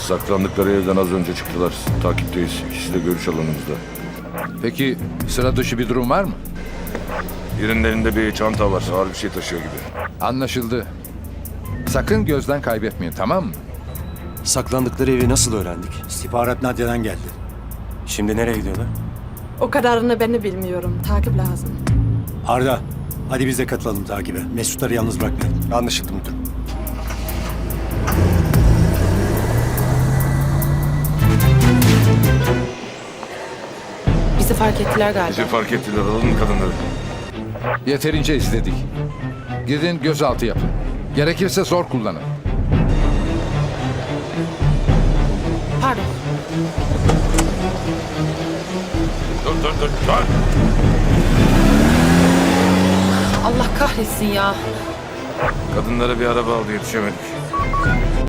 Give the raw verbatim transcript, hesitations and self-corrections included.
Saklandıkları evden az önce çıktılar. Takipteyiz. İkisi de görüş alanımızda. Peki sıra dışı bir durum var mı? Birinin elinde bir çanta var. Ağır bir şey taşıyor gibi. Anlaşıldı. Sakın gözden kaybetmeyin, tamam mı? Saklandıkları evi nasıl öğrendik? İstihbarat Nadia'dan geldi. Şimdi nereye gidiyorlar? O kadarını ben de bilmiyorum. Takip lazım. Arda, hadi biz de katılalım takibe. Mesutları yalnız bırakmayalım. Anlaşıldı müdürüm. Bizi fark ettiler galiba. Bizi fark ettiler. Alalım kadınları. Yeterince izledik. Gidin gözaltı yapın. Gerekirse zor kullanın. Pardon. Dur dur dur. Dur. Allah kahretsin ya. Kadınlara bir araba aldı. Yetişemedik.